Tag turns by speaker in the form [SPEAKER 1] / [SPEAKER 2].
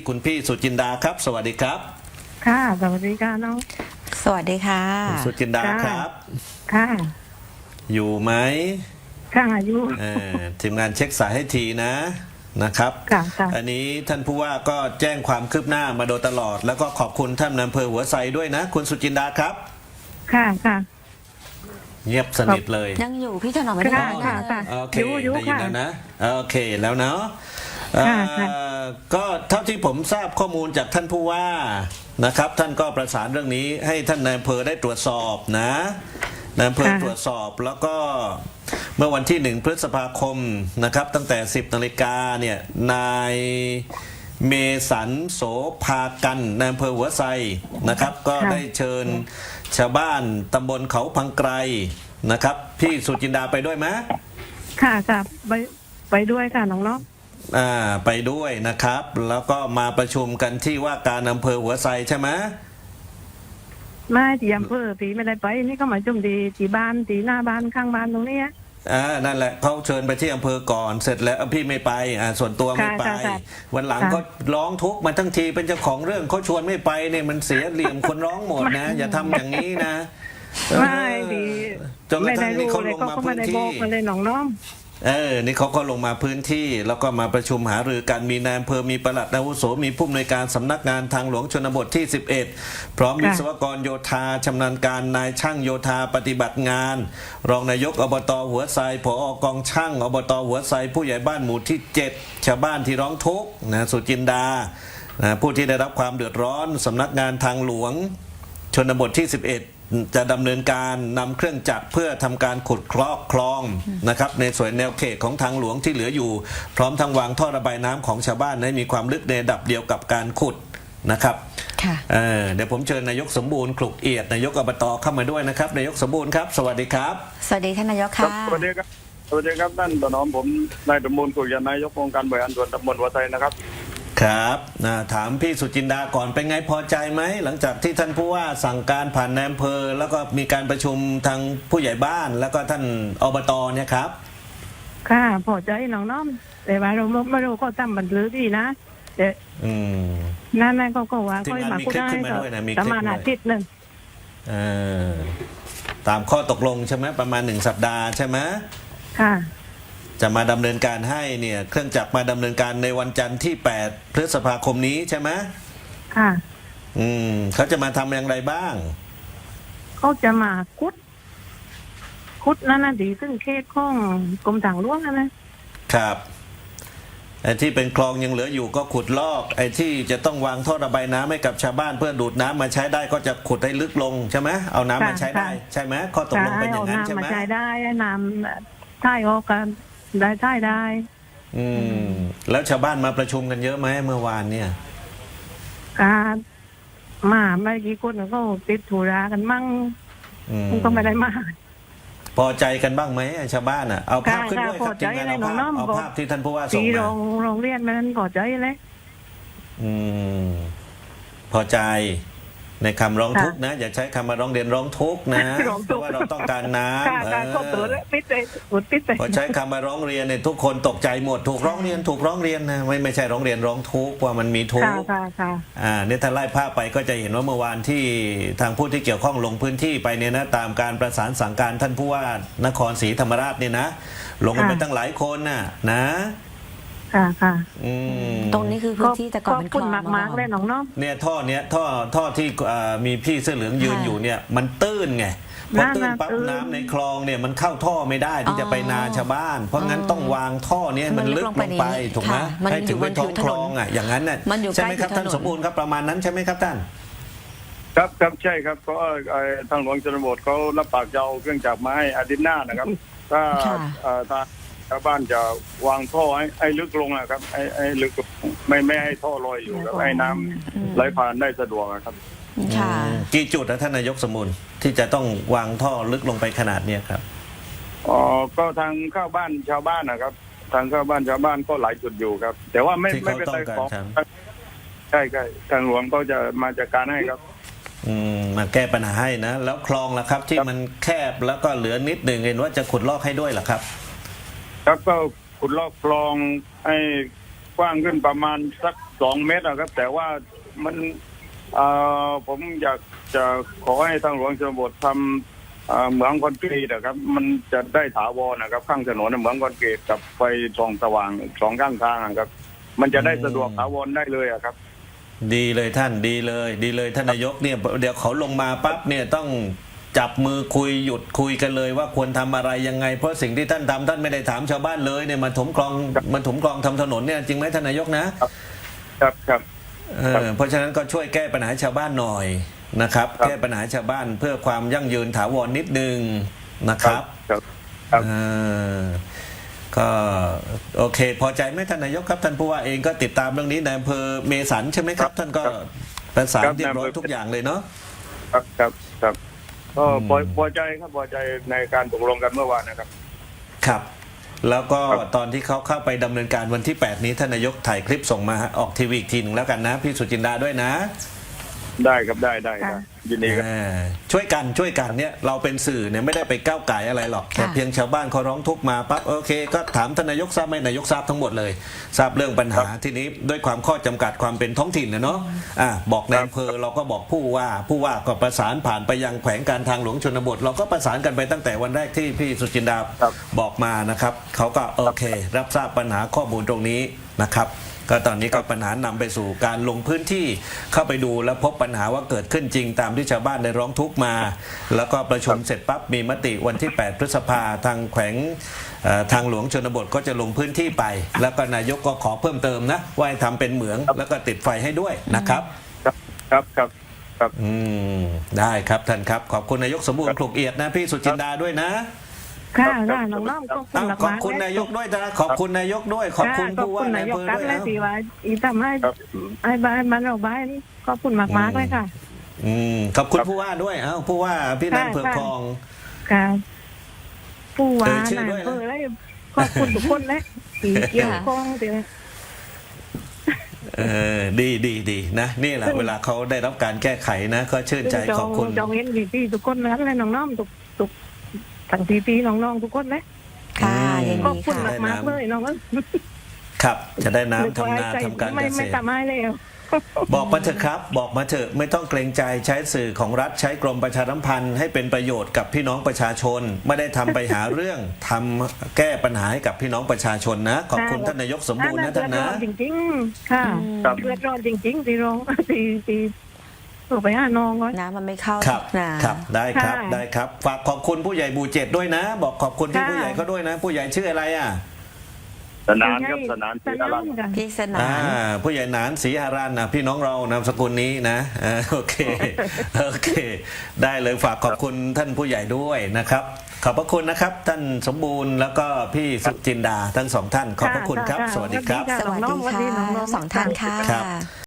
[SPEAKER 1] คุณพี่สุจินดาครับสวัสดีครับ
[SPEAKER 2] ค่ะสวัสดีค่ะน้อง
[SPEAKER 3] สวัสดีค่ะ
[SPEAKER 1] คุณสุจินดาครับ
[SPEAKER 2] ค่ะ
[SPEAKER 1] อยู่ไหม
[SPEAKER 2] ค่ะอยู่
[SPEAKER 1] ทีมงานเช็คสายให้ทีนะครับ
[SPEAKER 2] ค่ะ
[SPEAKER 1] อันนี้ท่านผู้ว่าก็แจ้งความคืบหน้ามาโดยตลอดแล้วก็ขอบคุณท่านอำเภอหัวไซด้วยนะคุณสุจินดาครับ
[SPEAKER 2] ค่ะ
[SPEAKER 1] เงียบสนิทเลย
[SPEAKER 3] ยังอยู่พี่ถนอมไม่ได้
[SPEAKER 2] ค่ะ
[SPEAKER 1] โอเคได้ยินแล้วนะโอเคแล้วเนาะก็เท่าที่ผมทราบข้อมูลจากท่านผู้ว่านะครับท่านก็ประสานเรื่องนี้ให้ท่านนายอำเภอได้ตรวจสอบนะนายอำเภอตรวจสอบแล้วก็เมื่อวันที่1 พฤษภาคมนะครับตั้งแต่ 10 นาฬิกาเนี่ยนายเมสันโสภากันนายอำเภอหัวไซนะครับก็ได้เชิญชาวบ้านตำบลเขาพังไกรนะครับพี่สุจินดาไปด้วยไหม
[SPEAKER 2] ค่ะไปด้วยค่ะน้อง
[SPEAKER 1] ไปด้วยนะครับแล้วก็มาประชุมกันที่ว่าการอำเภอหัวไซใช่ไหม
[SPEAKER 2] ไม่ที่อำเภอตีไม่ได้ไปนี่ก็มาจุ่มดีที่บ้านที่หน้าบ้านข้างบ้านตรงนี้
[SPEAKER 1] นั่นแหละเขาเชิญไปที่อำเภอก่อนเสร็จแล้วพี่ไม่ไปส่วนตัวไม่ไปวันหลังก็ร้องทุกข์มาทั้งทีเป็นเจ้าของเรื่องเขาชวนไม่ไปเนี่ยมันเสียเหลี่ยมคนร้องหมดนะอย่าทำอย่างนี้นะ
[SPEAKER 2] ไม่ดี
[SPEAKER 1] จนกระทั่งนี่เขาลงมาพื้นที่
[SPEAKER 2] เลยน้อง
[SPEAKER 1] นี่เขาก็ลงมาพื้นที่แล้วก็มาประชุมหารือกันมีนายอำเภอมีปลัดอาวุโสมีผู้อำนวยการสำนักงานทางหลวงชนบทที่11พร้อมวิศวกรโยธาชำนาญการนายช่างโยธาปฏิบัติงานรองนายกอบต.หัวไซผอกองช่างอบต.หัวไซผู้ใหญ่บ้านหมู่ที่7ชาวบ้านที่ร้องทุกข์นะสุจินดาผู้ที่ได้รับความเดือดร้อนสำนักงานทางหลวงชนบทที่11จะดำเนินการนำเครื่องจักรเพื่อทำการขุดคลองนะครับในส่วนแนวเขตของทางหลวงที่เหลืออยู่พร้อมทั้งวางท่อระบายน้ำของชาวบ้านให้มีความลึกในระดับเดียวกับการขุดนะครับเดี๋ยวผมเชิญนายกสมบูรณ์คลุกเอียดนายกอบต.เข้ามาด้วยนะครับนายกสมบูรณ์ครับสวัสดีครับ
[SPEAKER 3] สวัสดีท่านนายกค่ะ
[SPEAKER 4] สวัสดีครับท่านถนอมผมนายสมบูรณ์คลุกเอียดนายกองค์การบริหารส่วนตำบลหัวไซนะครับ
[SPEAKER 1] ครับถามพี่สุจินดาก่อนเป็นไงพอใจไหมหลังจากที่ท่านผู้ว่าสั่งการผ่านนายอำเภอแล้วก็มีการประชุมทางผู้ใหญ่บ้านแล้วก็ท่านอบต.เนี่ยครับ
[SPEAKER 2] ค่ะพอใจน้องแต่ว่าเราไม่รู้ก็ทำบันทึกดีนะแต่นั่นก็ว่าก็มาพูดได้ประมาณอาทิตย์นึง
[SPEAKER 1] ตามข้อตกลงใช่ไหมประมาณ1 สัปดาห์ใช่ไหม
[SPEAKER 2] ค่ะ
[SPEAKER 1] จะมาดำเนินการให้เนี่ยเครื่องจักรมาดำเนินการในวันจันทร์ที่8 พฤษภาคมนี้ใช่ไหม
[SPEAKER 2] ค่ะ
[SPEAKER 1] เขาจะมาทำอย่างไรบ้าง
[SPEAKER 2] เขาจะมาคุดนั่นนะดีซึ่งเขตของกรมทางหลวง
[SPEAKER 1] นะครับไอ้ที่เป็นคลองยังเหลืออยู่ก็ขุดลอกไอ้ที่จะต้องวางท่อระบายน้ำให้กับชาวบ้านเพื่อดูดน้ำมาใช้ได้ก็จะขุดให้ลึกลงใช่ไหมเอาน้ำมาใช้ได้ใช่ไหมข้อตกลงเป็นอย่างนั้นใช่ไหม
[SPEAKER 2] ใช้ได้น้ำใช่ออกกันได้
[SPEAKER 1] แล้วชาวบ้านมาประชุมกันเยอะไหมเมื่อวานเนี่ย
[SPEAKER 2] การมาไม่กี่คนก็ติดธุระกันมั่งก็ไม่ได้มา
[SPEAKER 1] พอใจกันบ้างไหมชาวบ้านเอาภาพขึ้นด้วยครับทีมงานเอาภาพที่ท่านผู้ว่าส่งมา
[SPEAKER 2] โรงเรียนมันพอใจเลย
[SPEAKER 1] พอใจในคำร้องทุกข์นะอย่าใช้คำมาร้องเรียนร้องทุกข์นะเพราะว่าเราต้องการน้ำพอใช้คำมาร้องเรียนเนี่ยทุกคนตกใจหมดถูกร้องเรียนนะไม่ใช่ร้องเรียนร้องทุกข์ว่ามันมีทุกข์เนี่ยถ้าไล่ภาพไปก็จะเห็นว่าเมื่อวานที่ทางผู้ที่เกี่ยวข้องลงพื้นที่ไปเนี่ยนะตามการประสานสั่งการท่านผู้ว่านครศรีธรรมราชเนี่ยนะลงกันไปตั้งหลายคนนะ
[SPEAKER 2] ค่ะ
[SPEAKER 3] ตรงนี้คือพื้นที่แต่ก่อนเป็นคลอง
[SPEAKER 2] มากเลยน้อง
[SPEAKER 1] เนี่ยท่อที่มีพี่เสื้อเหลืองยืนอยู่เนี่ยมันตื้นไงพอตื้นปั๊บน้ำในคลองเนี่ยมันเข้าท่อไม่ได้ที่จะไปนาชาวบ้านเพราะงั้นต้องวางท่อนี้มันลึกลงไปถูกไหมให้ถึงเป็นท้องคลองอย่างนั้นน่ะใช่ไหมครับท่านสมบูรณ์ครับประมาณนั้นใช่ไหมครับท่าน
[SPEAKER 4] ครับใช่ครับก็ทางหลวงชนบทเขารับปากจะเอาเครื่องจักรมาให้อาทิตย์หน้านะครับถ้าชาวบ้านจะวางท่อให้ลึกลงนะครับให้ลึกไม่ให้ท่อลอยอยู่ครับให้น้ำไหลผ่านได้สะดวกครับ
[SPEAKER 1] กี่จุดนะท่านนายกสมุนที่จะต้องวางท่อลึกลงไปขนาดนี้ครับ
[SPEAKER 4] ก็ทางเข้าบ้านชาวบ้านนะครับทางเข้าบ้านชาวบ้านก็หลายจุดอยู่ครับแต่ว่าไม่เป็นไรของใช่ทางหลวงก็จะมาจัดการให้ครับ
[SPEAKER 1] มาแก้ปัญหาให้นะแล้วคลองล่ะครับที่มันแคบแล้วก็เหลือนิดหนึ่งเห็นว่าจะขุดลอกให้ด้วยเหรอครับ
[SPEAKER 4] ครับก็ขุดลอกคลองให้กว้างขึ้นประมาณสัก 2 เมตรนะครับ แต่ว่ามันผมอยากจะขอให้ทางหลวงชนบททำเหมืองคอนกรีตนะครับ มันจะได้ถาวรนะครับ ข้างถนนเหมืองคอนกรีตกับไฟส่องสว่าง2 ข้างทางนะครับ มันจะได้สะดวกถาวรได้เลยอะครับ
[SPEAKER 1] ดีเลยท่านดีเลยท่านนายกเนี่ยเดี๋ยวเขาลงมาปั๊บเนี่ยต้องจับมือคุยหยุดคุยกันเลยว่าควรทำอะไรยังไงเพราะสิ่งที่ท่านทำท่านไม่ได้ถามชาวบ้านเลยเนี่ยมาถมคลองทำถนนเนี่ยจริงไหมท่านนายกนะครับ เพราะฉะนั้นก็ช่วยแก้ปัญหาชาวบ้านหน่อยนะครับ
[SPEAKER 4] ครับ
[SPEAKER 1] แก้ปัญหาชาวบ้านเพื่อความยั่งยืนถาวรนิดนึงนะครับ
[SPEAKER 4] ครับ
[SPEAKER 1] ก็โอเค พอใจไหมท่านนายกครับท่านผู้ว่าเองก็ติดตามเรื่องนี้ในอำเภอเมสันใช่ไหมครับ ท่านก็ประสานเรียบร้อยทุกอย่างเลยเนาะ
[SPEAKER 4] ครับก็พอใจครับพอใจในการตกลงกันเมื่อวานนะครับ
[SPEAKER 1] ครับ แล้วก็
[SPEAKER 4] ครับ
[SPEAKER 1] ตอนที่เขาเข้าไปดำเนินการวันที่ 8 นี้ท่านนายกถ่ายคลิปส่งมาออกทีวีอีกทีหนึงแล้วกันนะพี่สุจินดาด้วยนะ
[SPEAKER 4] ได้ครับได้ครับยินดีครับ
[SPEAKER 1] ช่วยกันเนี่ยเราเป็นสื่อเนี่ยไม่ได้ไปก้าวไก่อะไรหรอกแต่เพียงชาวบ้านเขาร้องทุกข์มาปั๊บโอเค ก็ถามท่านนายกทราบไหมนายกทราบทั้งหมดเลยทราบเรื่องปัญหาทีนี้ด้วยความข้อจำกัดความเป็นท้องถิ่นนะเนาะบอกในอำเภอเราก็บอกผู้ว่าก็ประสานผ่านไปยังแขวงการทางหลวงชนบทเราก็ประสานกันไปตั้งแต่วันแรกที่พี่สุจินดา
[SPEAKER 4] ครับ
[SPEAKER 1] บอกมานะครับเขาก็โอเค รับทราบปัญหาข้อมูลตรงนี้นะครับ ก็ตอนนี้ก็ปัญหานำไปสู่การลงพื้นที่เข้าไปดูแล้วพบปัญหาว่าเกิดขึ้นจริงตามที่ชาวบ้านได้ร้องทุกข์มา แล้วก็ประชุมเสร็จปั๊บมีมติวันที่ 8 พฤษภาทางแขวงทางหลวงชนบทก็จะลงพื้นที่ไป แล้วก็นายกก็ขอเพิ่มเติมนะว่าให้ทำเป็นเหมืองแล้วก็ติดไฟให้ด้วยนะครับ
[SPEAKER 4] ครับ
[SPEAKER 1] ได้ครับท่านครับขอบคุณนายกสมบูรณ์คลุกเอียดนะพี่สุจินดาด้วยนะ
[SPEAKER 2] ค่ะน้องๆก็คุณ
[SPEAKER 1] ขอบคุณนายกด้วยนะขอบคุณนายกด้วยขอบคุณผู้ว่าใน
[SPEAKER 2] นาย
[SPEAKER 1] อำ
[SPEAKER 2] ก
[SPEAKER 1] เภอ
[SPEAKER 2] กัน
[SPEAKER 1] ด้วย
[SPEAKER 2] และ
[SPEAKER 1] นะ
[SPEAKER 2] ที่ว่าอีทำให้บ้านเราบ้านขอบคุณมากๆเลยค่ะ
[SPEAKER 1] ขอบคุณผู้ว่าด้วยผู้ว่าพี่นันเผือกทอง
[SPEAKER 2] ค่ะผู้ว่า
[SPEAKER 1] ชื่อ
[SPEAKER 2] นาย
[SPEAKER 1] ด้วยนะ
[SPEAKER 2] อำเภอและขอบคุณทุกคนและที่เกี่ยวข้องที่
[SPEAKER 1] ดีนะนี่แหละเวลาเขาได้รับการแก้ไขนะก็ชื่นใจขอบคุณ
[SPEAKER 2] จองเห็นพี่ทุกคนนั้นและน้องๆทุกทั้งพี่น้องๆทุกคนและ
[SPEAKER 3] ค่ะยิน
[SPEAKER 2] ขอบ
[SPEAKER 3] ดี
[SPEAKER 2] คุณ
[SPEAKER 3] ค่ะ
[SPEAKER 2] มากๆเลยน้อง
[SPEAKER 1] ครับจะได้น้ำทำนาทำการเกษ
[SPEAKER 2] ไม่
[SPEAKER 1] ตร
[SPEAKER 2] ทำให้เลย
[SPEAKER 1] บอกมาเถอะครับบอกมาเถอะไม่ต้องเกรงใจใช้สื่อของรัฐใช้กรมประชาสัมพันธ์ให้เป็นประโยชน์กับพี่น้องประชาชน ไม่ได้ทำไปหาเรื่องทำแก้ปัญหาให้กับพี่น้องประชาชนนะ ขอบคุณท่านนายกสมบูรณ์นะท่านนะ
[SPEAKER 2] จริงๆค่ะเดือดร้อนจริงๆที่ร้องที่ถูกไปหาน้องก่อน
[SPEAKER 3] น้ำมันไม่เข้า
[SPEAKER 1] ครับ
[SPEAKER 3] นะครับ
[SPEAKER 1] ได้ครับฝากขอบคุณผู้ใหญ่บูเจ็ดด้วยนะ บอกขอบคุณพี่ผู้ใหญ่เขาด้วยนะ ผู้ใหญ่ชื่ออะไร
[SPEAKER 4] สนานครับสนานศรีอรัญ
[SPEAKER 3] พี่สนาน
[SPEAKER 1] ผู้ใหญ่หนานศรีหารันนะพี่น้องเรานามสกุลนี้นะโอเคได้เลยฝากขอบคุณท่านผู้ใหญ่ด้วยนะครับ ขอบพระคุณนะครับ ท่านสมบูรณ์แล้วก็พี่สุจินดาทั้งสองท่านขอบพระคุณครับ สวัสดีครับ
[SPEAKER 3] สวัสดีค่ะสองท่านค่ะ